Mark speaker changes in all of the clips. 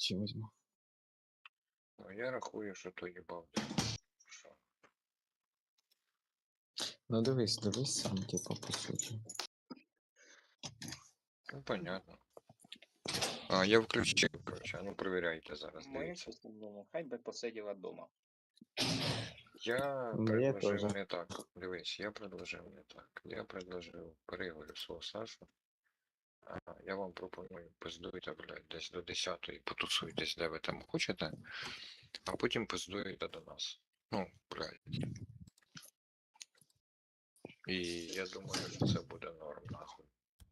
Speaker 1: ще візьму.
Speaker 2: Ну, я рахую, що то їбав. Що?
Speaker 1: Ну дивись сам, типу, по суті.
Speaker 2: Ну, понятно. А, я включив, короче, а ну перевіряйте зараз,
Speaker 3: Моє
Speaker 2: дивіться.
Speaker 3: чесне мнение, хай би посиділа вдома.
Speaker 2: Я
Speaker 1: Моє
Speaker 2: предложив
Speaker 1: теж.
Speaker 2: не так. Дивись, я предложив не так. Я предложив, переговорю свого Сашу. А, я вам пропоную, пиздуйте, блядь, десь до 10-ї, потусуйтесь, де ви там хочете, а потім пиздуєте до нас. Ну, блядь. І я думаю, що це буде норм, нахуй.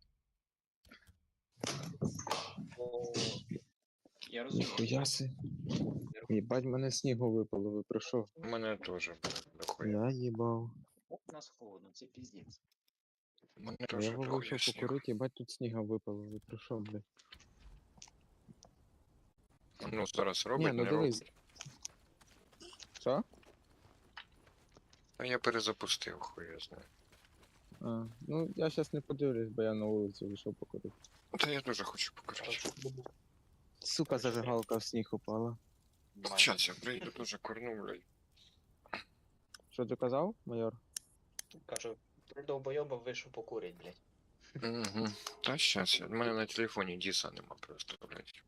Speaker 3: Бо я розумію,
Speaker 1: Хуяси. Їбать, мене снігу випало, ви про що?
Speaker 2: У мене теж, блядь, дохуя.
Speaker 1: Я їбав.
Speaker 3: у нас холодно, це піздець.
Speaker 2: У мене
Speaker 1: Я
Speaker 2: теж
Speaker 1: його
Speaker 2: дохуя
Speaker 1: вийшов
Speaker 2: снігу.
Speaker 1: покурити, їбать, тут сніга випало, ви про що, блядь?
Speaker 2: Ну, зараз
Speaker 1: Ні,
Speaker 2: робить,
Speaker 1: ну
Speaker 2: не
Speaker 1: дивись.
Speaker 2: робить.
Speaker 1: Що?
Speaker 2: А я перезапустив, хуя знаю.
Speaker 1: А, ну я щас не подивлюсь, бо я на вулицю вийшов покурити.
Speaker 2: Та я дуже хочу покурити.
Speaker 1: Сука, зажигалка в сніг упала.
Speaker 2: Щас я прийду, дуже курну, блядь.
Speaker 1: Що ти казав, майор?
Speaker 3: Кажу, три довбойоба вийшов покурить, блядь.
Speaker 2: Угу. Та щас, у мене на телефоні Діса нема просто, блядь.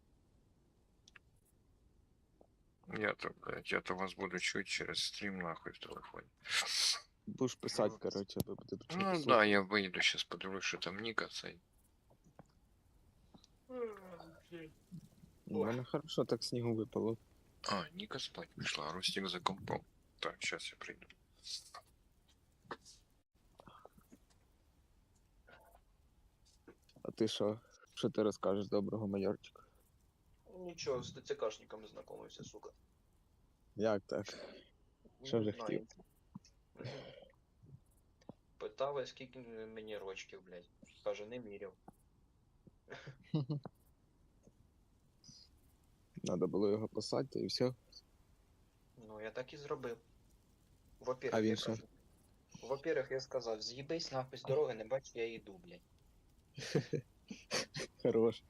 Speaker 2: Я то вас буду чуть через стрім, нахуй, в телефоні.
Speaker 1: Будеш писати, коротше, ви будете
Speaker 2: Ну
Speaker 1: чути.
Speaker 2: да, я вийду, щас подивлюсь, що там Ніка цей.
Speaker 1: У мене хорошо так снігу випало.
Speaker 2: А, Ніка спать пішла, а Рустик за компом. Так, щас я прийду.
Speaker 1: А ти що? Що ти розкажеш доброго, майорчика?
Speaker 3: Нічого, з ТЦКшниками знайомився, сука.
Speaker 1: Як так? Що
Speaker 3: Не
Speaker 1: вже
Speaker 3: знаю.
Speaker 1: хотів?
Speaker 3: Питали, скільки мені рочків, блядь. Каже, не міряв.
Speaker 1: Надо було його посадити і все.
Speaker 3: Ну, я так і зробив.
Speaker 1: А
Speaker 3: Во-первых,
Speaker 1: він
Speaker 3: я
Speaker 1: що?
Speaker 3: кажу. Во-первых, я сказав, з'їбись нахуй з дороги, не бачу, я йду, блядь.
Speaker 1: Хорош.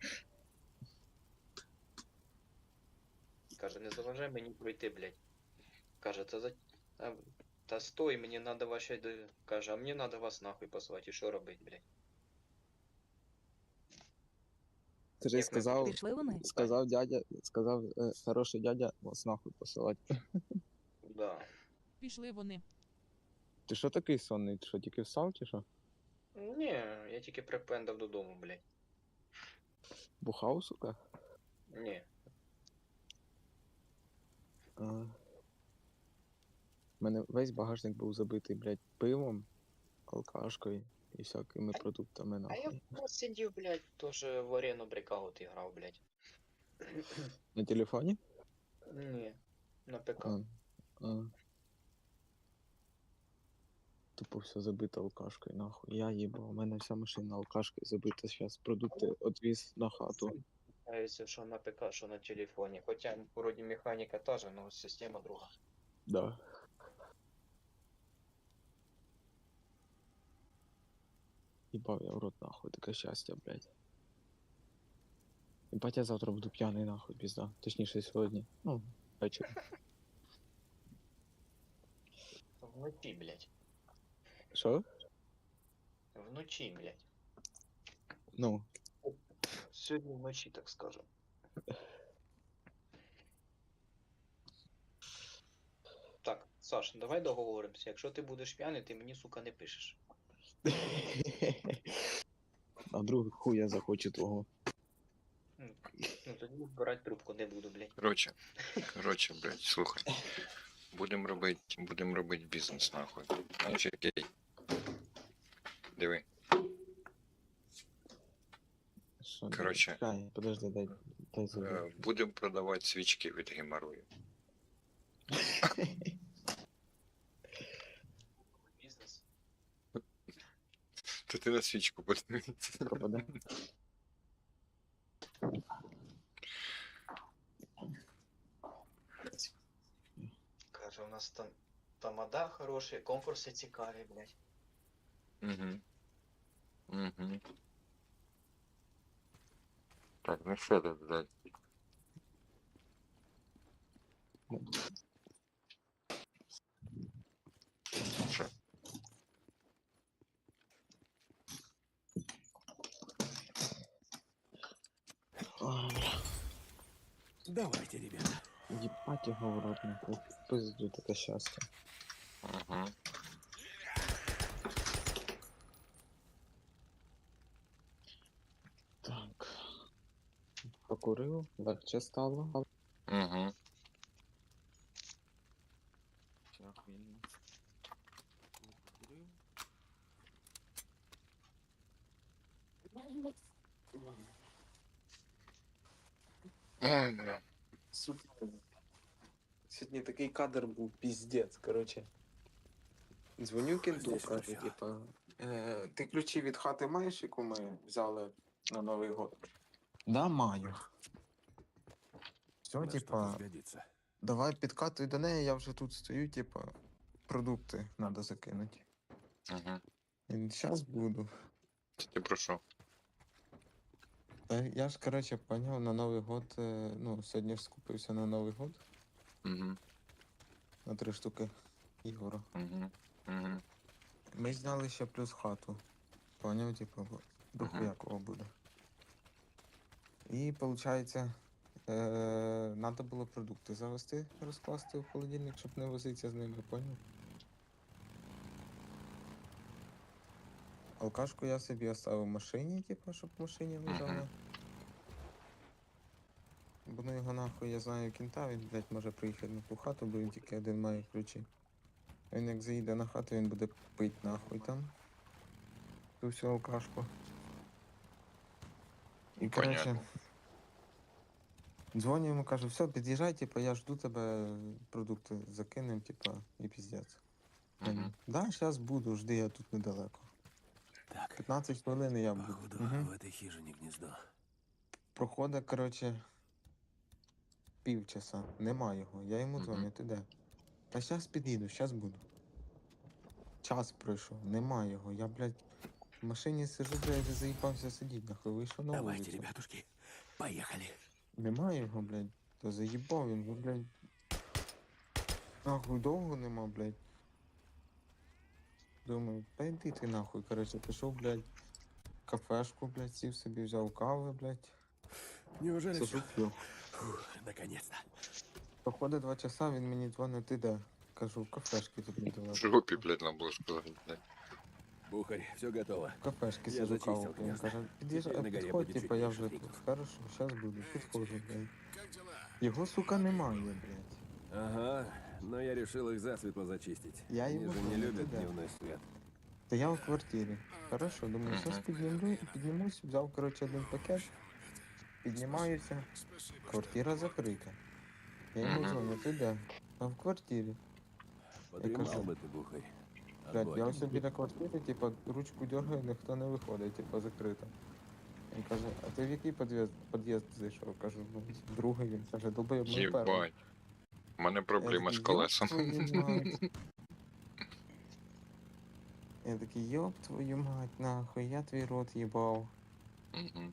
Speaker 3: Каже, не заважай мені пройти, блядь. Каже, та стой, мені надо ваші... Каже, а мені надо вас нахуй послати, і що робить, блядь?
Speaker 1: Ти ж
Speaker 3: Як ми
Speaker 1: сказав,
Speaker 4: Пішли вони?
Speaker 1: сказав хороший дядя вас нахуй посилати.
Speaker 3: Да.
Speaker 4: Пішли вони.
Speaker 1: Ти що такий сонний? Ти що, тільки встав чи що?
Speaker 3: Ні, я тільки припендав додому, блядь.
Speaker 1: Бухав, сука?
Speaker 3: Ні.
Speaker 1: А. У мене весь багажник був забитий, блядь, пивом, алкашкою і всякими продуктами,
Speaker 3: А я
Speaker 1: нахуй.
Speaker 3: просто сидів, блядь, теж в арену брикаут грав, блядь.
Speaker 1: На телефоні?
Speaker 3: Ні, на ПК.
Speaker 1: А. Тупо все забито алкашкою, нахуй. Я їбав, у мене вся машина алкашкою забита, зараз продукти відвіз на хату.
Speaker 3: Кажется, що на ПК, що на телефоні. Хоча вроді механіка та же, но система друга.
Speaker 1: Да. Їбав я в рот, нахуй, таке щастя, блядь. Єбать, я завтра буду п'яний, нахуй, пізда. Точніше, сьогодні. Ну, ввечері.
Speaker 3: Вночі, блядь.
Speaker 1: Що?
Speaker 3: Вночі, блядь.
Speaker 1: Ну,
Speaker 3: Сьогодні вночі, так скажем. Так, Саш, давай договоримося. Якщо ти будеш п'яний, ти мені, сука, не пишеш.
Speaker 1: а вдруг хуй я захочу твого.
Speaker 3: Ну тоді брати трубку не буду, блядь.
Speaker 2: Короче, блядь, слухай. Будем робити бізнес, нахуй. Значить, окей. Диви.
Speaker 1: Що,
Speaker 2: Короче,
Speaker 1: чекай, подожди, дай заберу.
Speaker 2: Будемо продавати свічки від геморрою.
Speaker 3: Бізнес.
Speaker 2: То ти на свічку подивись.
Speaker 1: Пропаде.
Speaker 3: Каже, у нас там тамада хороші, конкурси цікаві, блядь.
Speaker 2: Угу. Угу. Так, ну що тут, блядь? Що?
Speaker 1: Ой, бля.
Speaker 4: Давайте, ребята.
Speaker 1: Їбать його в рот, нахуй. Пизду таке щастя.
Speaker 2: Угу.
Speaker 1: Так. Покурив, легче стало.
Speaker 2: Угу.
Speaker 1: Ще охуєнно. Покурив.
Speaker 2: Ой, бля.
Speaker 1: Сука. Сьогодні такий кадр був піздець, короче. Дзвоню кенту,
Speaker 4: Здесь
Speaker 1: кажу,
Speaker 4: всё.
Speaker 1: типа, ти ключі від хати маєш, яку ми взяли на Новий год? Да, маю. Все,
Speaker 4: На
Speaker 1: типа,
Speaker 4: что-то сгодится.
Speaker 1: давай підкатуй до неї, я вже тут стою, типа, продукти треба закинути.
Speaker 2: Угу.
Speaker 1: Зараз буду.
Speaker 2: Ти про що?
Speaker 1: Та я ж, короче, поняв, на Новий год, ну, сьогодні ж скупився на Новий год,
Speaker 2: Угу.
Speaker 1: на 3 штуки Ігора.
Speaker 2: Угу. Угу.
Speaker 1: Ми зняли ще плюс хату. Поняв, типу, дохуя кого буде. І виходить, треба було продукти завести, розкласти в холодильник, щоб не возитися з ними, поняв? Алкашку я собі оставив в машині, типу, щоб в машині лежала. Бо ну його нахуй, я знаю кінта, він, блядь, може приїхати на ту хату, бо він тільки один має ключі. Він як заїде на хату, він буде пить нахуй там. Ту всю алкашку. І коротше,
Speaker 2: Понятно.
Speaker 1: дзвоню йому, кажу, все, під'їжджай, типу, я жду тебе, продукти закинем, типу, і піздець.
Speaker 2: Угу.
Speaker 1: Да, зараз буду, жди, я тут недалеко.
Speaker 4: Так,
Speaker 1: 15 хвилин і я буду.
Speaker 4: походу,
Speaker 1: Угу.
Speaker 4: в этой хижине гнездо.
Speaker 1: Проходить, коротше, півчаса. Нема його. Я йому
Speaker 2: Мгм.
Speaker 1: дзвоню, ти де? Та зараз під'їду, зараз буду. Час пройшов, нема його. Я, блядь, в машині сижу, блядь, вже заїбався сидіти, нахуй вийшов на
Speaker 4: Давайте,
Speaker 1: вулицю.
Speaker 4: ребятушки, поехали.
Speaker 1: Нема його, блядь. То заїбав він, ну, блядь. Нахуй довго нема, блядь. Думаю, та йди ти нахуй, коротше, пішов, блядь, в кафешку, блядь, сів собі, взяв кави, блядь.
Speaker 4: Неужели
Speaker 1: Сижу,
Speaker 4: все?
Speaker 1: п'ю.
Speaker 4: Наконец-то.
Speaker 1: Проходить 2 часа, він мені дзвонить, ти де? Кажу, в кафешки тут
Speaker 2: В
Speaker 1: недалеко.
Speaker 2: жопі, блядь, нам було сказати, блядь.
Speaker 4: Бухарь, все готово.
Speaker 1: В кафешки
Speaker 4: Я
Speaker 1: сижу
Speaker 4: зачистив
Speaker 1: каву. Він
Speaker 4: гнезда.
Speaker 1: каже, під'їжджай,
Speaker 4: Теперь на горе
Speaker 1: підходь,
Speaker 4: будет
Speaker 1: типа,
Speaker 4: чуть
Speaker 1: я
Speaker 4: меньше
Speaker 1: вже тут.
Speaker 4: фриков.
Speaker 1: Хорошо, зараз буду, підходжу, блядь. Його, сука, немає, блядь.
Speaker 4: Ага, но я решил их засветло зачистить.
Speaker 1: Я
Speaker 4: Они
Speaker 1: ему
Speaker 4: же не
Speaker 1: понял,
Speaker 4: любят
Speaker 1: ты да.
Speaker 4: дневной свет.
Speaker 1: Та я в квартирі. Хорошо, думаю,
Speaker 2: Мгм.
Speaker 1: зараз піднімусь, взяв, коротше, один пакет, піднімаюся, квартира закрита. Я йому
Speaker 2: Мгм.
Speaker 1: дзвоню, ти де? А в квартирі.
Speaker 4: Подремал
Speaker 1: кажу,
Speaker 4: бы ты, Бухарь.
Speaker 1: Блядь, я
Speaker 4: Огонь.
Speaker 1: ось біля квартири, типа, ручку дергаю, ніхто не виходить, типа, закрита. Він каже, а ти в який під'їзд зайшов? Кажу, ну, другий. Він каже, долбоєб, ми в перший.
Speaker 2: Єбать. У мене проблема з
Speaker 1: такий, «Ёб
Speaker 2: колесом.
Speaker 1: твою мать». Я такий, йоп твою мать, нахуй, я твій рот їбав.
Speaker 2: Мгм.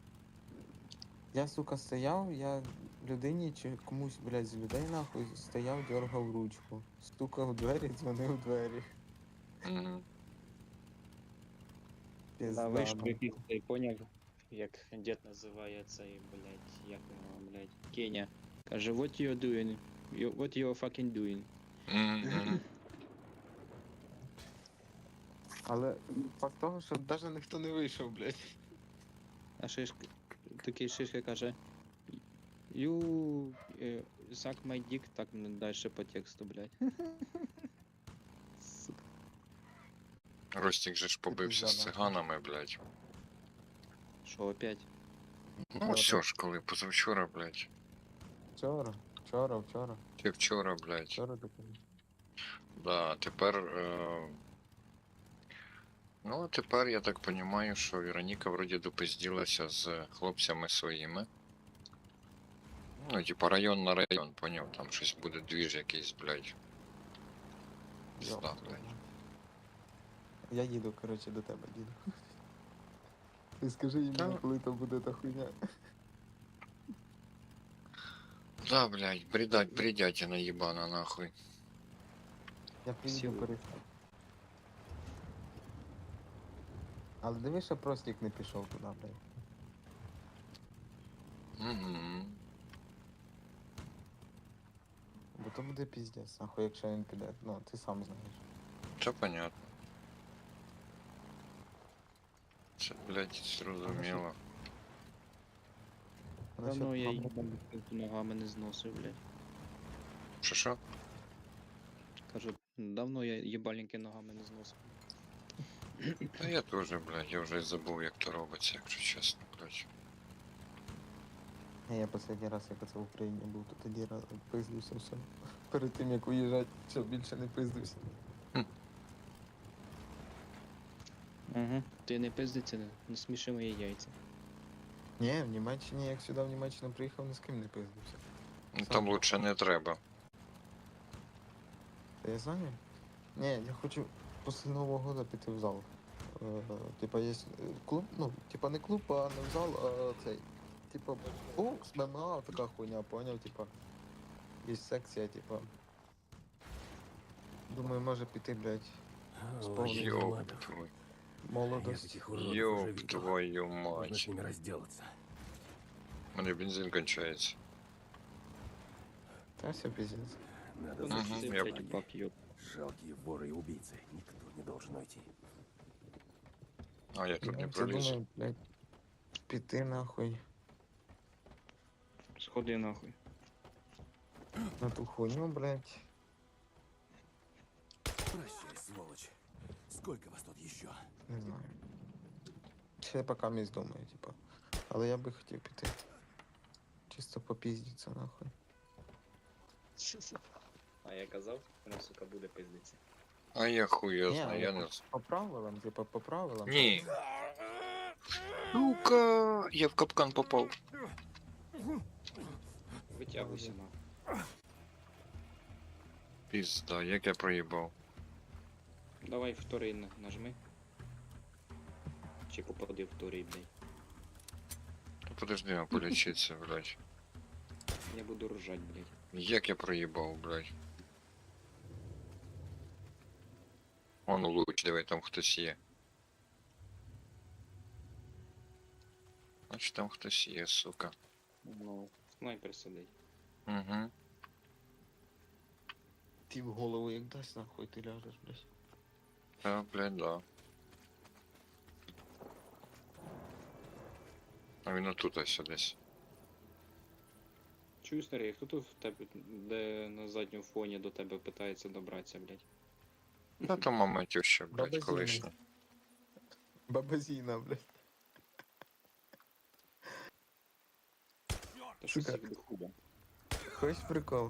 Speaker 1: Я, сука, стояв, я людині чи комусь, блядь, з людей, нахуй, стояв, дергав ручку. Стукав у двері, дзвонив у двері.
Speaker 2: Мгм.
Speaker 1: Пізда,
Speaker 5: Да, вийшов
Speaker 1: ну.
Speaker 5: якийсь цей поняв, як дід називає цей, блядь, як його, блядь, Кеня. Каже, what you doing? What you fucking doing?
Speaker 2: Мгм.
Speaker 1: Але факт того, що навіть ніхто не вийшов, блядь.
Speaker 5: А шишка, такий шишка каже, you suck my dick, так далі по тексту, блядь. Сука.
Speaker 2: Ростик же ж побився з
Speaker 1: пизда, нахуй.
Speaker 2: циганами, блядь.
Speaker 5: Що опять?
Speaker 2: Ну, все ж, коли позавчора, блядь.
Speaker 1: Вчора.
Speaker 2: Чи вчора, блядь.
Speaker 1: Вчора таке.
Speaker 2: Да, тепер. Ну, а тепер я так розумію, що Вероніка вроді допизділася з хлопцями своїми. Ну, типа район на район, поняв, там щось буде двіж якийсь, блядь. Пізда, блядь.
Speaker 1: Я їду, коротше, до тебе, їду. Ти скажи їм,
Speaker 2: Та-
Speaker 1: коли то буде та хуйня.
Speaker 2: Да, блядь, бредятина ебана нахуй.
Speaker 1: Я приїду
Speaker 5: Сілу.
Speaker 1: перестав. Але дивись, що простік не пішов туди, блядь.
Speaker 2: Угу.
Speaker 1: Бо то буде піздець, нахуй, якщо він піде. Ну, ти сам знаєш.
Speaker 2: Це понятно. Це, блядь, зрозуміло.
Speaker 1: Насчет
Speaker 5: Давно я
Speaker 1: мами-
Speaker 5: їбану ногами не зносив, блядь.
Speaker 2: Що?
Speaker 5: Кажу, давно я їбальники ногами не зносив.
Speaker 2: Та я теж, блядь, я вже й забув, як то робиться, якщо чесно, блядь.
Speaker 1: Я останній раз, як це в Україні був, то тоді пиздився все. Перед тим, як уїжджати, щоб більше не пиздився.
Speaker 5: Угу. Ти не пиздиться, не сміши мої яйця.
Speaker 1: Ні, в Німеччині, як сюди в Німеччину приїхав, ні з ким не пиздився.
Speaker 2: Ну, там лучше не треба.
Speaker 1: Та я знаю. Ні, я хочу після Нового года піти в зал. Типа є клуб, ну, типа не клуб, а не в зал, а цей. Типа бокс, ММА, така хуйня, поняв, типа. Є секція, типа. Думаю, може піти, блядь, Вспомнил.
Speaker 2: Ёб твою.
Speaker 4: Я
Speaker 1: молодость.
Speaker 4: таких уродов уже
Speaker 2: Ёб
Speaker 4: видел.
Speaker 2: твою
Speaker 4: Нужно с
Speaker 2: мать.
Speaker 4: ними разделаться.
Speaker 2: У мене бензин кончається.
Speaker 1: Та все пиздец.
Speaker 4: Надо
Speaker 2: Мгм,
Speaker 4: защитить
Speaker 2: я
Speaker 4: бабки.
Speaker 5: бак, ёб.
Speaker 4: Жалкие воры и убийцы. Никто не должен уйти.
Speaker 2: А я тут не
Speaker 1: Я це
Speaker 2: пролізу.
Speaker 1: думаю, блядь, піти нахуй
Speaker 5: Сходи нахуй.
Speaker 1: на ту хуйню, блядь.
Speaker 4: Прощай, сволочь. Сколько вас тут еще?
Speaker 1: Не знаю. Ще поки місць думаю, типа. Але я би хотів піти. Чисто попіздіться нахуй.
Speaker 3: А я казав, вона, сука, буде пиздиться.
Speaker 2: А я хуй його
Speaker 1: Ні,
Speaker 2: знаю,
Speaker 1: але
Speaker 2: я не...
Speaker 1: по правилам, типа, по правилам.
Speaker 2: Ні. Сука, я в капкан попав.
Speaker 5: Витягуйся нахуй.
Speaker 2: Пізда, як я проїбав.
Speaker 5: Давай вторий нажми. Чи попади в вторий, блядь.
Speaker 2: Та подожди, а полічиться, блядь.
Speaker 5: Я буду ржать, блядь.
Speaker 2: Як я проїбав, блядь. Вон луч, диви, там хтось є. Значить там хтось є, сука.
Speaker 5: Ну, снайпер сидить.
Speaker 2: Угу.
Speaker 1: Ти в голову як дасть нахуй, ти ляжеш, блядь.
Speaker 2: Та, блядь, да. А він отут ось десь.
Speaker 5: Чую, старий, хто тут в тебе, де на задньому фоні до тебе питається добратися, блядь?
Speaker 2: Та то мама тюща, блядь,
Speaker 1: Баба Зіна.
Speaker 2: колишня.
Speaker 1: Баба Зіна, блядь.
Speaker 5: Та що
Speaker 1: Сука.
Speaker 5: всіх до худа.
Speaker 1: Хочеш прикол?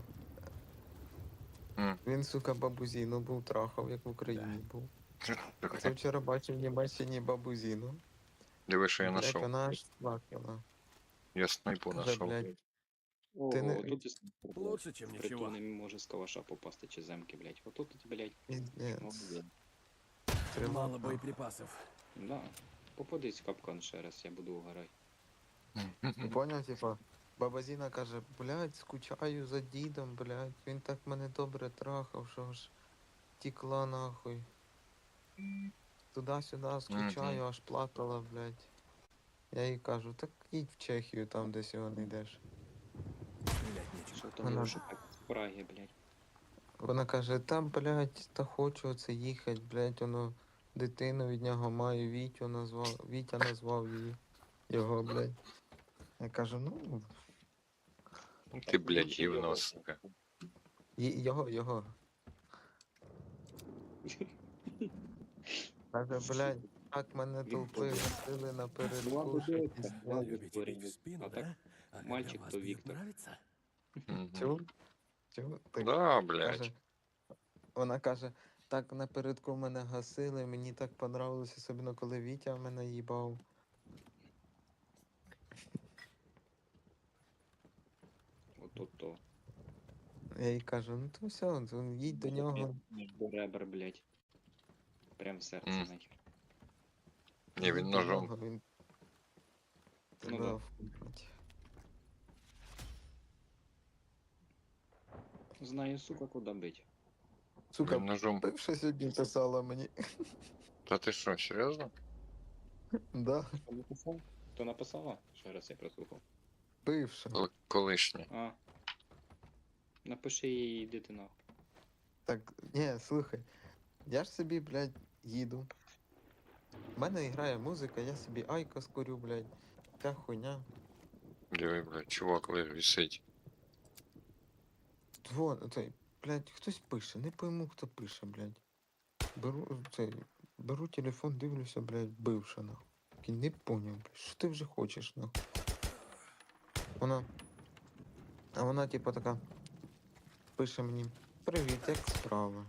Speaker 2: М.
Speaker 1: Він, сука, бабу Зіну був трахав, як в Україні був. Це вчора бачив в Німеччині бабу Зіну.
Speaker 2: Диви, що я
Speaker 1: Блядь,
Speaker 2: знайшов.
Speaker 1: вона аж плакала.
Speaker 2: Я снайпу
Speaker 1: Каже,
Speaker 2: знайшов.
Speaker 1: блядь,
Speaker 5: Ого,
Speaker 1: не-
Speaker 5: тут і снайпер, блядь.
Speaker 4: Лучше, чем
Speaker 5: Притул
Speaker 4: ничего.
Speaker 5: не може з калаша попасти чи земки, блядь. Отут, блядь,
Speaker 1: піздець.
Speaker 5: молодець.
Speaker 1: Тримав,
Speaker 4: Мало
Speaker 1: нахуй.
Speaker 4: боеприпасов.
Speaker 5: Да. Попадись в капкан ще раз, я буду угорати.
Speaker 1: Ти поняв, типа, баба Зіна каже, блядь, скучаю за дідом, блядь, він так мене добре трахав, що ж тікла нахуй. Туди-сюди скучаю, аж плакала, блядь. Я їй кажу, так їдь в Чехію, там десь його не йдеш.
Speaker 4: Стрелять нечего.
Speaker 5: Що там
Speaker 1: Вона-
Speaker 5: може так з Праги, блядь.
Speaker 1: Вона каже, там, блядь, та хочу оце їхати, блядь, воно дитину від нього маю, Вітя назвав її. Його, блядь. Я кажу, ну,
Speaker 2: Ти, блядь, гівно, сука.
Speaker 1: його. Каже, блядь, так мене толпи гасили напередку, що піздець.
Speaker 4: Любите бить в спину,
Speaker 5: А так,
Speaker 4: да? А когда
Speaker 5: мальчик
Speaker 4: вас
Speaker 5: то
Speaker 4: бьют,
Speaker 5: Виктор.
Speaker 4: нравится?
Speaker 2: Мгм.
Speaker 1: Чув? Чув? Так
Speaker 2: Да, блядь.
Speaker 1: каже, вона каже, так напередку мене гасили, мені так понравилось, особливо коли Вітя мене їбав.
Speaker 5: Ото-то.
Speaker 1: Я їй кажу, ну то все, то їдь до нього.
Speaker 5: До ребер, блядь. Прям в серце,
Speaker 2: Мгм.
Speaker 5: нахер.
Speaker 2: Ні, він
Speaker 1: їдь до
Speaker 2: ножом.
Speaker 1: нього, він
Speaker 5: Ну
Speaker 1: тебе
Speaker 5: да.
Speaker 1: вкусить.
Speaker 5: Знаю, сука, куди бить.
Speaker 1: Сука,
Speaker 2: Він ножом.
Speaker 1: бивша сьогодні писала мені.
Speaker 2: Та ти що, серйозно?
Speaker 1: Да,
Speaker 5: Хто написав? Хто написала? Ще раз я прослухав.
Speaker 1: бивша.
Speaker 2: Колишнє.
Speaker 5: А. Напиши їй, йди ти нахуй.
Speaker 1: Так, ні, слухай. Я ж собі, блядь, їду. У мене грає музика, я собі айкос курю, блядь. Вся хуйня.
Speaker 2: Диви, блядь, чувак висить.
Speaker 1: Вон, цей, блядь, хтось пише, не пойму, хто пише, блядь. Беру телефон, дивлюся, блядь, бивша, нахуй. Такий, не поняв, блядь, що ти вже хочеш, нахуй. Вона, типа, така, пише мені, привіт, як справа?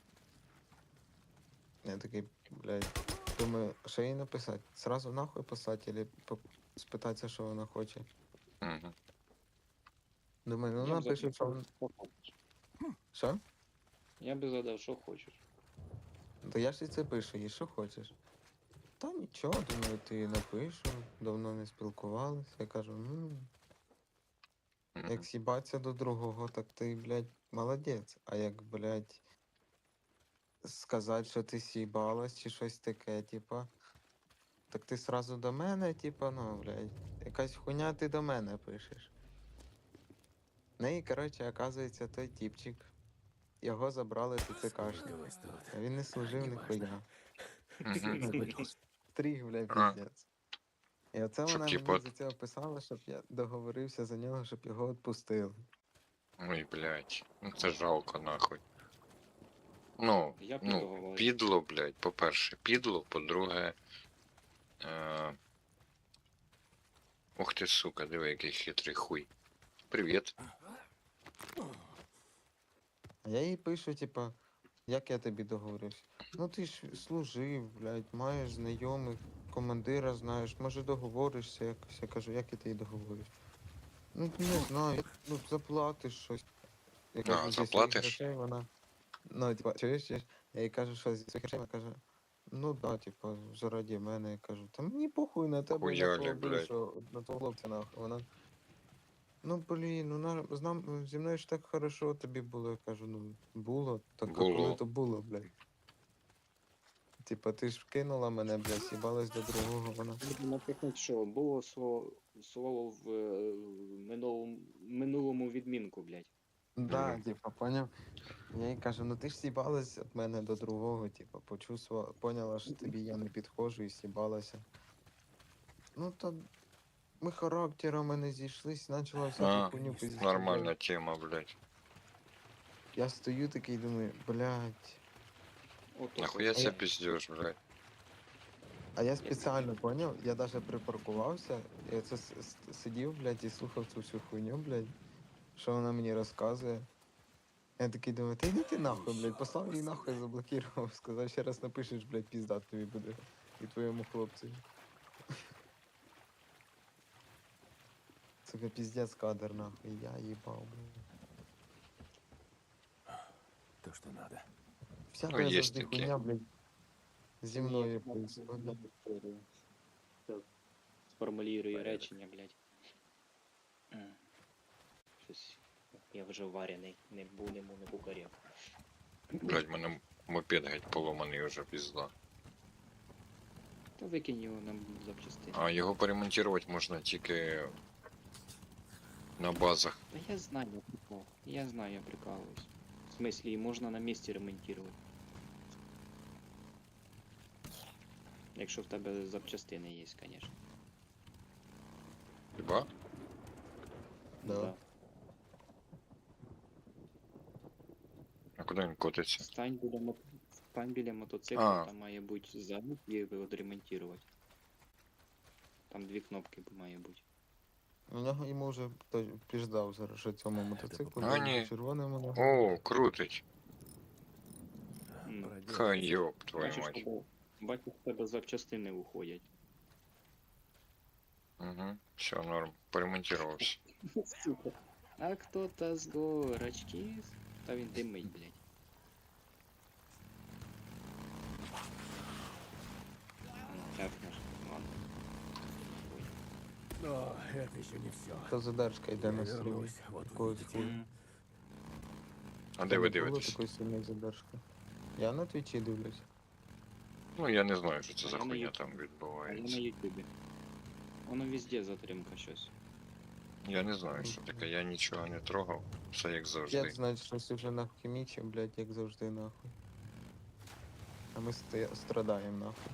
Speaker 1: Я такий, блядь, думаю, що їй написати? Сразу нахуй писати, или спитатися, що вона хоче?
Speaker 2: Угу.
Speaker 1: Думаю, ну
Speaker 5: Я
Speaker 1: вона
Speaker 5: б
Speaker 1: пише, що вона...
Speaker 5: що хочеш.
Speaker 1: Що?
Speaker 5: Я би задав, що хочеш.
Speaker 1: То я ж і це пишу, і що хочеш? Та нічого, думаю, ти напишу, давно не спілкувалися. Я кажу, як сібаться до другого, так ти, блядь, молодець. А як, блядь, сказати, що ти сібалась чи щось таке, типа, так ти сразу до мене, типа, ну, блядь, якась хуйня ти до мене пишеш. Ну і, коротше, оказується, той типчик. Його забрали ТЦКшники.
Speaker 4: Ось тут.
Speaker 1: А він не служив ніхуя.
Speaker 2: Угу.
Speaker 1: Стріг, бля,
Speaker 2: А.
Speaker 1: піздець. І оце
Speaker 2: Щоб,
Speaker 1: вона
Speaker 2: типа,
Speaker 1: мені за цього писала, щоб я договорився за нього, щоб його відпустили.
Speaker 2: Ой, блядь. Ну це жалко, нахуй. Ну,
Speaker 5: Я б
Speaker 2: ну,
Speaker 5: договорився.
Speaker 2: підло, блядь, по-перше, підло, по-друге. Е... Ух ти, сука, диви, який хитрий хуй. Привіт.
Speaker 1: А я їй пишу, типа, як я тобі договорився? Ну ти ж служив, блядь, маєш знайомих, командира знаєш, може договоришся якось. Я кажу, як я тобі договорюсь? Ну не знаю, ну заплатиш щось. Я кажу, зі своїх
Speaker 2: заплатиш?
Speaker 1: грошей вона. Ну, типа, чуєш? Я їй кажу, що зі своїх грошей, вона каже, ну да, типа, заради мене. Я кажу, та мені похуй на тебе, і на
Speaker 2: Хуяли,
Speaker 1: твого
Speaker 2: блядь.
Speaker 1: бившого, на твого хлопця, нахуй. Вона, ну блін, ну зі мною ж так хорошо тобі було. Я кажу, ну було, так а коли
Speaker 2: Було.
Speaker 1: то було, блядь. Типа, ти ж кинула мене, блядь, сібалась до другого, вона.
Speaker 5: Наприклад, що було слово в минулому відмінку, блядь.
Speaker 1: Да,
Speaker 2: Мгм.
Speaker 1: типа, поняв. Я їй кажу, ну ти ж сібалась від мене до другого, типа, поняла, що тобі я не підходжу і сібалася. Ну то ми характерами не зійшлись, почала всяку
Speaker 2: А,
Speaker 1: хуйню пиздити.
Speaker 2: нормальна тема, блядь.
Speaker 1: Я стою такий думаю, блядь.
Speaker 5: Ото
Speaker 2: Нахуя
Speaker 5: це.
Speaker 2: це пиздешь, блядь?
Speaker 1: А я спеціально поняв, я даже припаркувався, я це сидів, блядь, і слухав цю всю хуйню, блядь, що вона мені розказує. Я такий думаю, та йди ти нахуй, блядь, послав її нахуй, заблокував, сказав, ще раз напишеш, блядь, пізда тобі буде. І твоєму хлопцю. Сука, піздець кадр, нахуй, я їбав, блядь.
Speaker 4: То, что надо.
Speaker 1: Всяка
Speaker 2: Ну, є
Speaker 1: завжди
Speaker 2: таке.
Speaker 1: хуйня, блядь, зі мною
Speaker 5: Ні,
Speaker 1: происходить.
Speaker 5: Сформулюю речення, блядь. Щось. Я вже варений, не будемо, не кукарів.
Speaker 2: Блядь, мене мопед геть поломаний уже, пізда.
Speaker 5: Та викинь його нам запчастини.
Speaker 2: А його поремонтувати можна тільки на базах.
Speaker 5: Та я знаю, я прикол. Я знаю, я прикалываюсь. В смысле, и можно на месте ремонтировать. Якщо в тебе запчастини є, конечно.
Speaker 2: Хіба?
Speaker 1: Да.
Speaker 2: А куди він котиться?
Speaker 5: Стань біля мотоцикла,
Speaker 2: А.
Speaker 5: там має бути замок і його відремонтувати. Там дві кнопки має бути.
Speaker 1: У нього йому вже піждав зараз, що цьому мотоциклу,
Speaker 2: А, ні.
Speaker 1: червоному ногу.
Speaker 2: О, крутить.
Speaker 5: Ну,
Speaker 4: Проделать.
Speaker 2: Хай йоп, твою
Speaker 5: Бачиш,
Speaker 2: мать.
Speaker 5: бачиш, в тебе запчастини уходять.
Speaker 2: Угу, все, норм. Поремонтировався.
Speaker 5: Сука. А кто-то з горочки. Та він димить, блядь. Так, наш, ладно. Ой.
Speaker 4: Но это еще не все.
Speaker 1: Та задержка йде на стрім.
Speaker 4: Вернусь, вот
Speaker 1: Якогось
Speaker 4: увидите.
Speaker 1: хуя.
Speaker 2: А де ви
Speaker 1: Не було
Speaker 2: дивитесь?
Speaker 1: такої сильної задержки. Я на твічі дивлюсь.
Speaker 2: Ну я не знаю, що це
Speaker 5: А
Speaker 2: за
Speaker 5: я на
Speaker 2: хуйня
Speaker 5: Ютубі.
Speaker 2: там
Speaker 5: А я на
Speaker 2: відбувається.
Speaker 5: ютубе. Воно везде затримка щось.
Speaker 2: Я не знаю, що таке, я нічого не трогав, все як завжди.
Speaker 1: Як знать, щось уже нахімічив, блядь, як завжди нахуй. А ми страдаємо нахуй.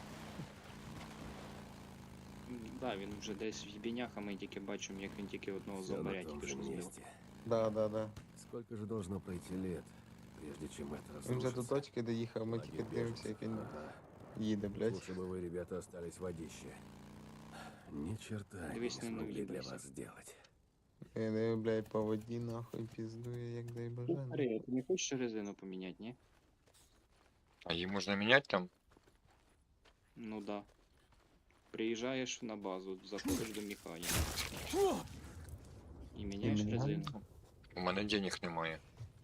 Speaker 5: Да, він вже десь в їбінях, а ми тільки бачимо, як він тільки одного
Speaker 4: Все на
Speaker 5: зомбаря
Speaker 4: том
Speaker 5: тільки
Speaker 4: же
Speaker 5: що збив.
Speaker 4: месте.
Speaker 1: Да.
Speaker 4: Сколько же должно пройти лет, прежде чем это
Speaker 1: Він вже до
Speaker 4: разрушится?
Speaker 1: точки доїхав, ми тільки
Speaker 4: Лагерь
Speaker 1: дивимося, як
Speaker 4: беженцев.
Speaker 1: він
Speaker 4: Ага.
Speaker 1: їде, блядь.
Speaker 4: Лучше бы вы, ребята, остались в водище. Ни черта они не
Speaker 5: Дивись, не
Speaker 4: смогли для
Speaker 5: наїбайся.
Speaker 4: вас сделать.
Speaker 1: Він, блядь, по воді нахуй піздує, як дай боже.
Speaker 5: Старий, а ти не хочеш резину поміняти, ні?
Speaker 2: А її можна міняти там?
Speaker 5: Ну да. Приїжджаєш на базу, заходиш до механіка. І міняєш
Speaker 1: міняєш?
Speaker 5: резину.
Speaker 2: У мене денег немає.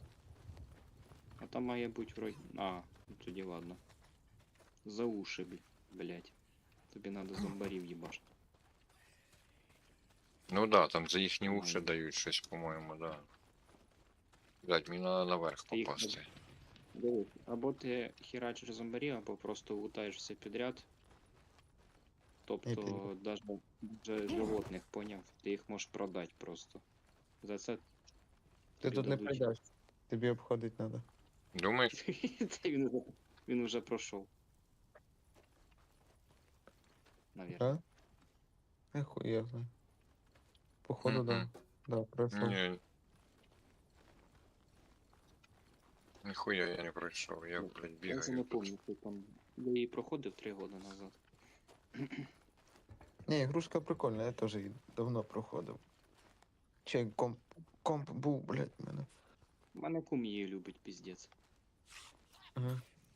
Speaker 5: А там має бути вроді. А, ну тоді ладно. За уши, блять. Тобі надо зомбарів їбаш.
Speaker 2: Ну да, там за їхні
Speaker 5: Ну,
Speaker 2: уші дають щось, по-моєму, да. Блять, мені треба наверх
Speaker 5: Ти їх
Speaker 2: попасти.
Speaker 5: Дивись, або ти херачиш зомбарів, або просто лутаєш все підряд. Тобто,
Speaker 1: підряд.
Speaker 5: даже животних, поняв, ти їх можеш продати просто. За це
Speaker 1: Ти
Speaker 5: тобі
Speaker 1: тут не
Speaker 5: дадуть.
Speaker 1: прийдеш. Тобі обходить треба.
Speaker 2: Думаєш?
Speaker 5: Це він уже пройшов. Навірно.
Speaker 1: А? Я знаю. Походу, да.
Speaker 2: Мгм.
Speaker 1: Да, пройшов.
Speaker 2: Ні. Ніхуя я не пройшов, я, блядь,
Speaker 5: Я вже
Speaker 2: бігаю.
Speaker 5: не
Speaker 2: тут.
Speaker 5: пам'ятаю, там. Я її проходив 3 роки назад.
Speaker 1: Ні, ігрушка прикольна, я теж її давно проходив. Чи комп був, блядь, в мене.
Speaker 5: У мене кум її любить, піздець.
Speaker 1: Угу.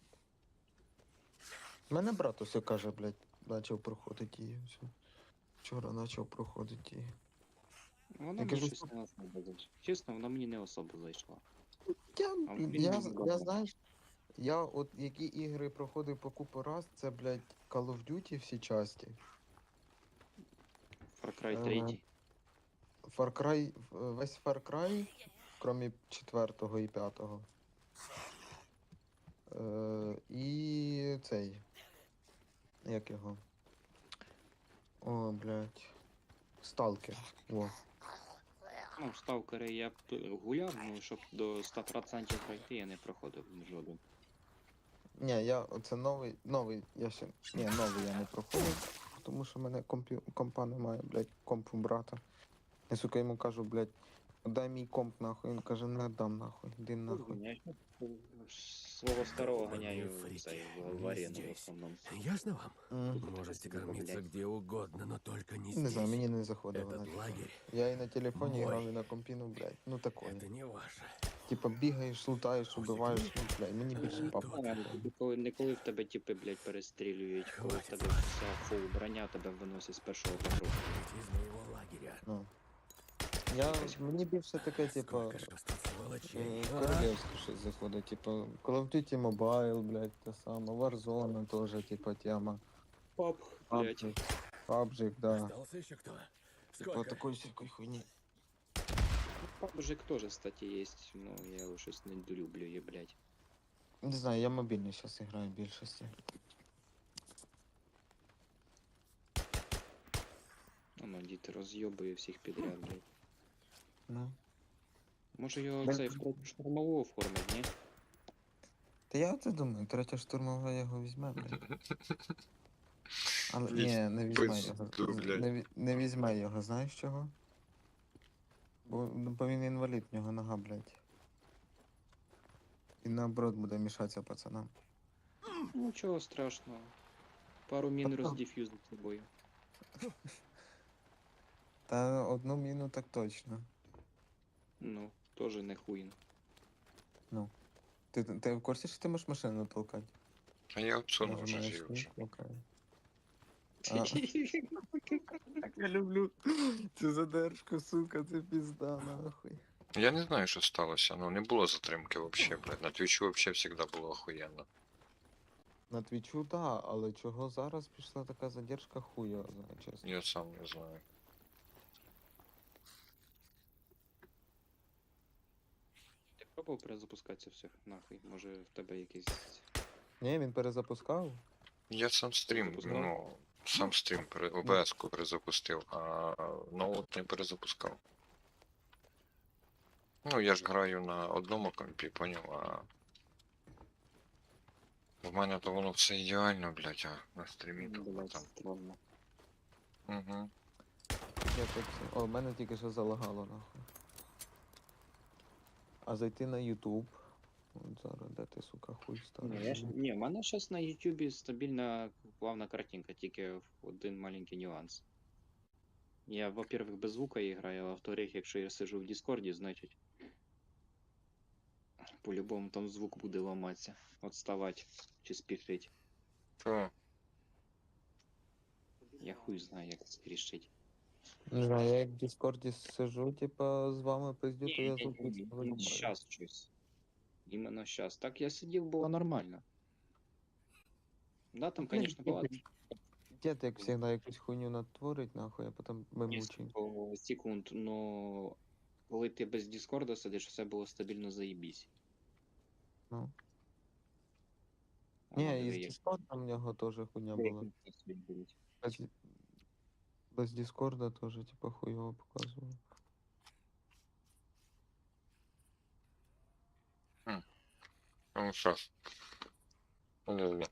Speaker 1: Мене брат усе каже, блядь, почав проходити її. Все. Вчора почав проходити її.
Speaker 5: Вона
Speaker 1: Я
Speaker 5: мені
Speaker 1: кажу,
Speaker 5: щось не особо зайшла. Чесно, вона мені не особо зайшла.
Speaker 1: Я,
Speaker 5: А він
Speaker 1: я,
Speaker 5: мені
Speaker 1: я
Speaker 5: добре.
Speaker 1: знаєш, я от які ігри проходив по купу раз, це, блядь, Call of Duty всі часті.
Speaker 5: Far Cry
Speaker 1: Е,
Speaker 5: 3.
Speaker 1: Far Cry, весь Far Cry, крім 4 і 5. І цей. Як його? О, блядь. Сталкер. Во.
Speaker 5: Ну, в сталкери я б гуляв, ну щоб до 100% пройти я не проходив жоден.
Speaker 1: Ні, я оце новий, я ще. Ні, новий я не проходив, тому що в мене компа немає, блядь, комп у брата. Я, сука, йому кажу, блядь, дай мій комп нахуй. Він каже, не дам нахуй, іди нахуй.
Speaker 5: Я свого старого ганяю
Speaker 4: Фрики,
Speaker 5: цей, в
Speaker 4: не
Speaker 5: арену в
Speaker 4: здесь.
Speaker 5: основному.
Speaker 4: Ясно вам?
Speaker 1: М,
Speaker 4: Можете
Speaker 5: Блядь.
Speaker 4: кормиться где угодно, но только не
Speaker 1: Не
Speaker 4: здесь.
Speaker 1: знаю, мені не заходило на
Speaker 4: Этот
Speaker 1: телефон.
Speaker 4: лагерь
Speaker 1: Я і на телефоні
Speaker 4: мой.
Speaker 1: грав, і на компі, ну, блядь, ну такое.
Speaker 4: это не ваше.
Speaker 1: Типа бігаєш, лутаєш, убиваєш, ну, блядь, мені більше
Speaker 4: Е,
Speaker 1: папа.
Speaker 4: то
Speaker 5: Не коли в тебе типи, блядь, перестрілюють, коли в
Speaker 4: Хватить
Speaker 5: тебе
Speaker 4: вас.
Speaker 5: вся фул броня тебе виносить з першого потроху.
Speaker 4: Выйдите из моего лагеря.
Speaker 1: Ну. Мені більше таке, типа,
Speaker 4: Сколько ж вас тут сволочей, а?
Speaker 1: королевське щось заходить, типа, Call of Duty Mobile, блядь, те саме, Warzone теж, типа, тема.
Speaker 5: Пап, блядь.
Speaker 1: PUBG, да.
Speaker 4: Остался еще кто?
Speaker 1: Типа
Speaker 4: Сколько?
Speaker 1: такой всякой хуйни.
Speaker 5: PUBG тоже, кстати, есть, но я его щось не долюблю, її, блядь.
Speaker 1: Не знаю, я мобільний зараз граю в більшості.
Speaker 5: Ну, діти роз'єбує всіх підряд, блядь.
Speaker 1: Ну.
Speaker 5: Може його
Speaker 1: Да.
Speaker 5: цей в третю штурмову оформить, ні?
Speaker 1: Та я це думаю, третя штурмова його візьме, блядь. Але
Speaker 2: Візь
Speaker 1: ні, не візьме
Speaker 2: пизду,
Speaker 1: його.
Speaker 2: блядь.
Speaker 1: Не візьме його, знаєш чого? Бо він інвалід, в нього нога, блядь. І наоборот буде мішатися пацанам.
Speaker 5: Нічого страшного. Пару мін
Speaker 1: Та то.
Speaker 5: роздефюзить з собою.
Speaker 1: Та одну міну так точно.
Speaker 5: Ну, тоже не хуйно.
Speaker 1: Ти в курсі, що ти можеш машину толкати?
Speaker 2: А я обсунув вже
Speaker 1: Нажимаєш
Speaker 2: її вже.
Speaker 1: толкає. Так я люблю цю задержку, сука, це пізда, нахуй.
Speaker 2: Я не знаю, що сталося, ну не було затримки вообще, блядь. На твічу вообще завжди було охуєнно.
Speaker 1: На твічу, да, але чого зараз пішла така задержка, хуй його знає, чесно.
Speaker 2: Я сам не знаю.
Speaker 5: Пробував перезапускатися всіх нахуй. Може в тебе якийсь.
Speaker 1: Ні, він перезапускав.
Speaker 2: Я сам стрім,
Speaker 5: Перезапускав?
Speaker 2: ну, сам стрім ОБС-ку перезапустив, а ноут не перезапускав. Ну, я ж граю на одному компі, поняв, а в мене то воно все ідеально, блядь, а на стрімі то
Speaker 5: Блядь,
Speaker 2: там.
Speaker 5: странно.
Speaker 2: Угу.
Speaker 1: Я так... О, в мене тільки що залагало нахуй. А зайти на YouTube. От зараз, де ти, сука, хуй ставиш?
Speaker 5: Ні, в мене зараз на YouTube стабільна плавна картинка, тільки в один маленький нюанс. Я, во-первых, без звука граю, а во-вторых, якщо я сижу в Дискорді, значить по-любому там звук буде ламатися, отставати чи спішить.
Speaker 2: Що?
Speaker 5: Я хуй знаю, як це рішить.
Speaker 1: Не знаю, я як в Дискорді сижу, типа, з вами пиздю, то я звук виставлю.
Speaker 5: Сейчас щось. Іменно сейчас. Так я сидів, було нормально. Да, там,
Speaker 1: Ну, блін,
Speaker 5: конечно, була
Speaker 1: Дід, як завжди, якусь хуйню натворить, нахуй, а потім ми мучимо.
Speaker 5: несколько секунд, но коли ти без Дискорда сидиш, все було стабільно заєбісь.
Speaker 1: Ну.
Speaker 5: А ну,
Speaker 1: Ні, і
Speaker 5: диви,
Speaker 1: з
Speaker 5: як
Speaker 1: Дискордом в нього теж хуйня була.
Speaker 5: як це відбулось.
Speaker 1: Без, без Дискорда теж, типа, хуйово показував.
Speaker 2: Ну, щас. Подожди.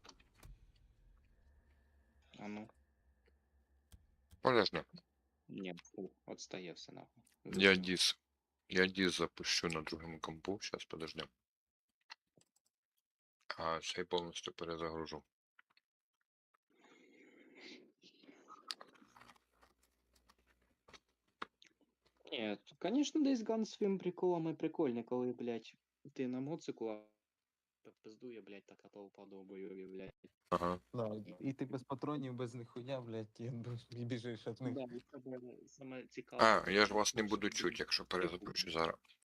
Speaker 5: А ну,
Speaker 2: Подожди.
Speaker 5: ні, фу, отстає все нахуй.
Speaker 2: Я дис запущу на другому компу, сейчас подожди. А цей повністю перезагружу.
Speaker 5: Ні, конечно, Days Gone своїм приколами прикольний, коли, блядь, ти на моцику, а пиздує, блядь, така толпа довбойові, блядь.
Speaker 2: Ага.
Speaker 1: Да, і ти без патронів, без нихуя, блядь, і біжиш від них.
Speaker 5: Да, і це саме цікаве.
Speaker 2: А, я ж вас не буду чути, якщо перезапущу зараз.